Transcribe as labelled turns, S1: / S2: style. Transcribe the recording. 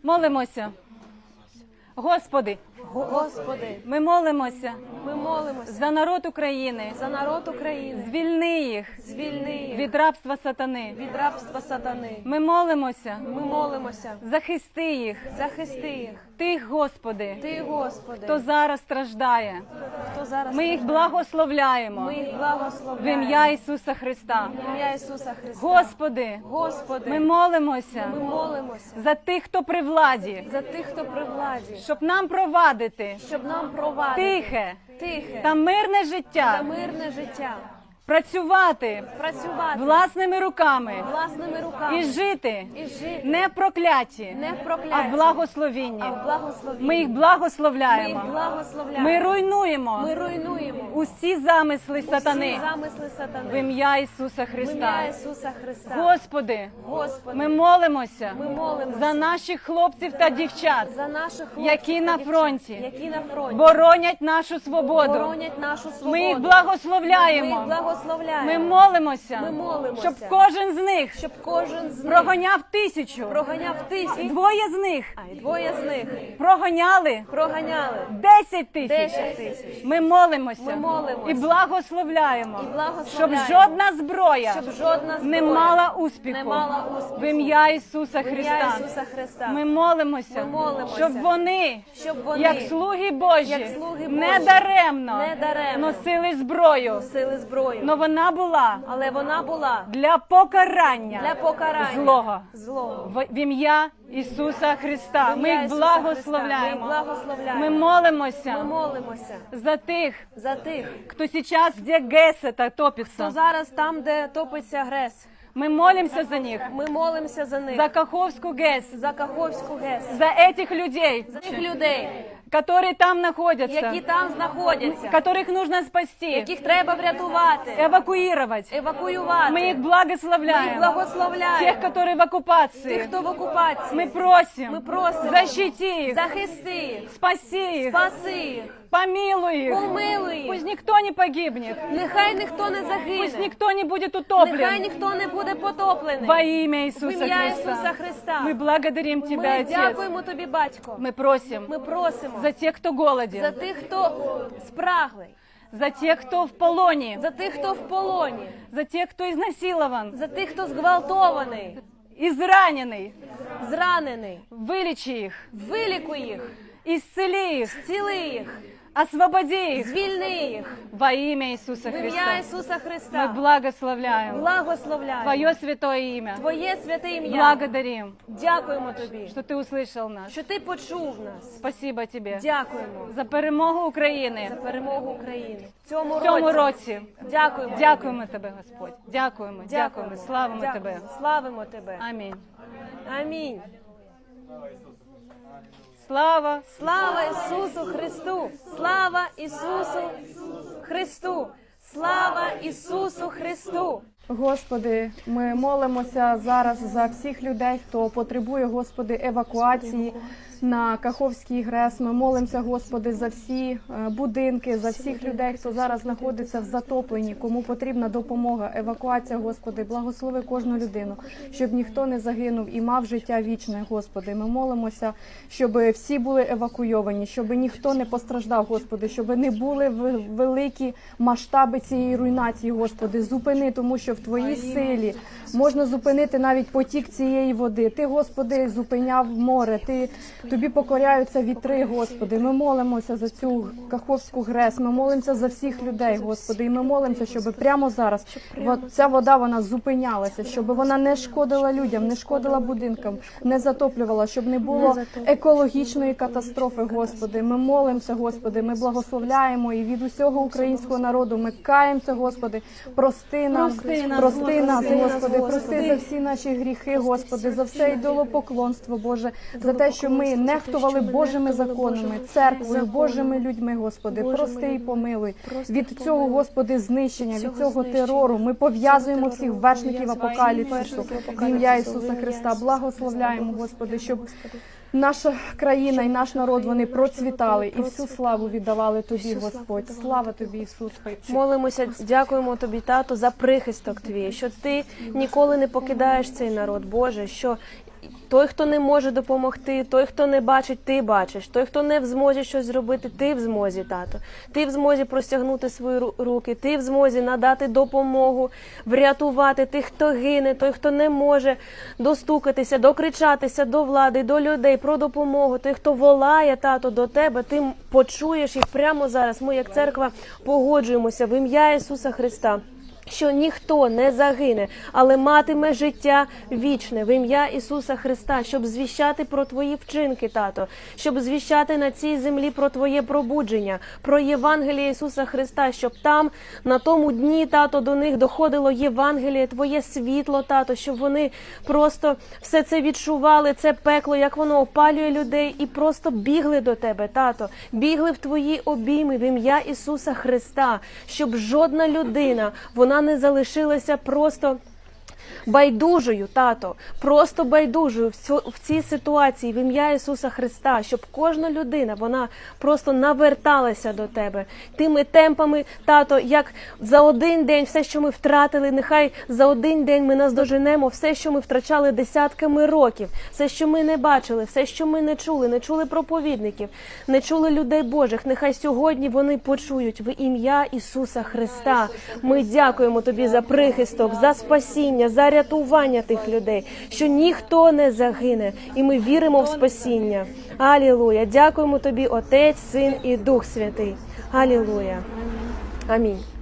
S1: Молимося. Господи,
S2: Господи,
S1: ми молимося
S2: ми молимося
S1: за народ України.
S2: за народ України.
S1: Звільни їх
S2: Звільни їх
S1: від рабства сатани.
S2: від рабства сатани.
S1: Ми молимося,
S2: Ми молимося.
S1: захисти їх,
S2: Захисти їх.
S1: тих, Господи,
S2: Ти, Господи,
S1: хто зараз страждає.
S2: хто зараз
S1: Ми їх благословляємо
S2: ми їх
S1: в
S2: благословляємо.
S1: ім'я Ісуса Христа.
S2: В ім'я Ісуса Христа.
S1: Господи,
S2: Господи,
S1: ми молимося
S2: ми молимося
S1: за тих, хто при владі,
S2: за тих, хто при владі,
S1: щоб нам провадити
S2: щоб нам провадити
S1: тихе
S2: тихе
S1: та мирне
S2: та
S1: життя,
S2: мирне життя,
S1: працювати
S2: працювати
S1: власними руками
S2: власними руками
S1: і жити
S2: і жити
S1: не в прокляті,
S2: не в
S1: а
S2: прокляті,
S1: в благословінні.
S2: а в благословенні.
S1: Ми їх
S2: Ми їх
S1: благословляємо.
S2: благословляємо.
S1: Ми руйнуємо
S2: Ми руйнуємо
S1: усі замисли сатани
S2: всі замисли сатани.
S1: в ім'я Ісуса
S2: В ім'я
S1: Христа.
S2: Ісуса Христа.
S1: Господи,
S2: Господи,
S1: ми молимося
S2: ми молимося
S1: за наших хлопців та дівчат,
S2: за наших хлопців
S1: які
S2: та
S1: на
S2: дівчат,
S1: фронті,
S2: які на фронті
S1: боронять нашу свободу.
S2: боронять нашу свободу.
S1: Ми їх
S2: Ми
S1: благословляємо.
S2: їх благословляємо.
S1: Ми молимося,
S2: Ми молимося,
S1: щоб кожен з них
S2: щоб кожен з них
S1: проганяв 1000,
S2: проганяв
S1: і
S2: 1000,
S1: двоє з них
S2: а й двоє з них
S1: проганяли
S2: проганяли
S1: 10 000.
S2: 10 000.
S1: Ми молимося,
S2: Ми молимося
S1: і благословляємо,
S2: і благословляємо,
S1: щоб жодна зброя
S2: щоб жодна
S1: не
S2: зброя
S1: мала успіху
S2: не мала успіху.
S1: в ім'я Ісуса
S2: В ім'я
S1: Христа.
S2: Ісуса Христа.
S1: Ми молимося,
S2: Ми молимося,
S1: щоб вони,
S2: щоб вони,
S1: як слуги Божі,
S2: як слуги
S1: не
S2: Божі,
S1: даремно
S2: не даремно
S1: носили зброю,
S2: носили зброю.
S1: но вона була
S2: Але вона була
S1: для покарання
S2: для покарання
S1: злого. В ім'я Ісуса Христа.
S2: В
S1: Ми
S2: ім'я
S1: їх
S2: Ісуса Христа. Ми
S1: благословляємо.
S2: їх благословляємо.
S1: Ми молимося
S2: Ми молимося
S1: за тих,
S2: за тих,
S1: кто сейчас, где ГЭС это
S2: хто
S1: топится.
S2: зараз там, де топиться ГРЕС.
S1: Мы молимся за них,
S2: Ми молимося за них,
S1: за Каховскую ГЭС,
S2: за Каховську ГЕС,
S1: за этих людей,
S2: за тих людей,
S1: которые там находятся,
S2: які там знаходяться,
S1: которых нужно спасти,
S2: яких треба врятувати,
S1: эвакуировать.
S2: евакуювати.
S1: Мы их
S2: Ми їх
S1: благословляем.
S2: благословляємо.
S1: Тех, которые в оккупации.
S2: Тих, хто в окупації.
S1: Мы просим,
S2: Ми просимо,
S1: защити их,
S2: захисти їх,
S1: спаси их,
S2: спаси їх,
S1: помилуй их.
S2: помилуй їх.
S1: Пусть никто не погибнет,
S2: Нехай ніхто не
S1: пусть
S2: загине,
S1: никто не будет
S2: нехай
S1: утоплен.
S2: ніхто не буде потоплений.
S1: Во имя
S2: В
S1: Иисуса
S2: ім'я
S1: Христа.
S2: Ісуса Христа.
S1: Мы благодарим Тебя,
S2: Ми
S1: Отец.
S2: дякуємо Тобі, Батько.
S1: Мы просим
S2: Ми просимо
S1: за тех, кто
S2: за
S1: голоден,
S2: тих, хто спраглий,
S1: за тех, кто в полоне,
S2: за тих, хто в полоні,
S1: за тех, кто изнасилован,
S2: за тих, хто зґвалтований,
S1: израненный.
S2: зранений.
S1: Вылечи их,
S2: Вилікуй їх,
S1: исцели их,
S2: зціли їх,
S1: освободи их
S2: звільни їх.
S1: во имя Иисуса
S2: В ім'я
S1: Христа.
S2: Ісуса
S1: Мы
S2: Христа
S1: благословляем
S2: благословляємо
S1: Твое святое имя.
S2: Твоє святе ім'я.
S1: Благодарим,
S2: Дякуємо Тобі,
S1: что Ты услышал нас.
S2: що Ти почув нас.
S1: Спасибо Тебе
S2: Дякуємо
S1: за перемогу
S2: за
S1: України
S2: перемогу України.
S1: в цьому році.
S2: Дякуємо.
S1: Дякуємо Тебе, Господь. Дякуємо,
S2: Дякуємо.
S1: дякуємо. Славимо
S2: Дякуємо.
S1: Тебе.
S2: Славимо Тебе.
S1: Амінь.
S2: Амінь.
S1: Слава.
S2: Слава Ісусу Христу! Слава Ісусу Христу! Слава Ісусу Христу!
S3: Господи, ми молимося зараз за всіх людей, хто потребує, Господи, евакуації на Каховський ГРЕС. Ми молимося, Господи, за всі будинки, за всіх людей, хто зараз знаходиться в затопленні, кому потрібна допомога, евакуація, Господи. Благослови кожну людину, щоб ніхто не загинув і мав життя вічне, Господи. Ми молимося, щоб всі були евакуйовані, щоб ніхто не постраждав, Господи, щоб не були великі масштаби цієї руйнації, Господи. Зупини, тому що в Твоїй силі можна зупинити навіть потік цієї води. Ти, Господи, зупиняв море, Тобі покоряються вітри, Господи. Ми молимося за цю Каховську ГРЕС, ми молимося за всіх людей, Господи. І ми молимося, щоб прямо зараз ця вода, вона зупинялася, щоб вона не шкодила людям, не шкодила будинкам, не затоплювала, щоб не було екологічної катастрофи, Господи. Ми молимося, Господи, ми благословляємо і від усього українського народу ми каємося, Господи. Прости нас, Господи, прости за всі наші гріхи, Господи, за все ідолопоклонство, Боже, за те, що ми нехтували Божими законами, церквою, Божими людьми, Господи. Прости і помилуй. Від цього, Господи, знищення, від цього терору ми пов'язуємо всіх вершників апокаліпсису в ім'я Ісуса Христа. Благословляємо, Господи, щоб наша країна і наш народ, вони процвітали і всю славу віддавали Тобі, Господь. Слава Тобі, Ісус.
S2: Молимося, дякуємо Тобі, Тато, за прихисток Твій, що Ти ніколи не покидаєш цей народ, Боже, що Той, хто не може допомогти, той, хто не бачить, ти бачиш. Той, хто не в змозі щось зробити, ти в змозі, тато. Ти в змозі простягнути свої руки, ти в змозі надати допомогу, врятувати тих, хто гине, той, хто не може достукатися, докричатися до влади, до людей про допомогу. Той, хто волає, тато, до тебе, ти почуєш їх прямо зараз. Ми, як церква, погоджуємося в ім'я Ісуса Христа, що ніхто не загине, але матиме життя вічне в ім'я Ісуса Христа, щоб звіщати про Твої вчинки, тато, щоб звіщати на цій землі про Твоє пробудження, про Євангеліє Ісуса Христа, щоб там, на тому дні, тато, до них доходило Євангеліє, Твоє світло, тато, щоб вони просто все це відчували, це пекло, як воно опалює людей, і просто бігли до Тебе, тато, бігли в Твої обійми в ім'я Ісуса Христа, щоб жодна людина, вона не залишилася просто байдужою, тато, просто байдужою в цій ситуації в ім'я Ісуса Христа, щоб кожна людина, вона просто наверталася до Тебе. Тими темпами, тато, як за один день все, що ми втратили, нехай за один день ми наздоженемо все, що ми втрачали десятками років, все, що ми не бачили, все, що ми не чули проповідників, не чули людей Божих, нехай сьогодні вони почують в ім'я Ісуса Христа. Ми дякуємо Тобі за прихисток, за спасіння, за рятування тих людей, що ніхто не загине, і ми віримо в спасіння. Алілуя! Дякуємо Тобі, Отець, Син і Дух Святий. Алілуя! Амінь.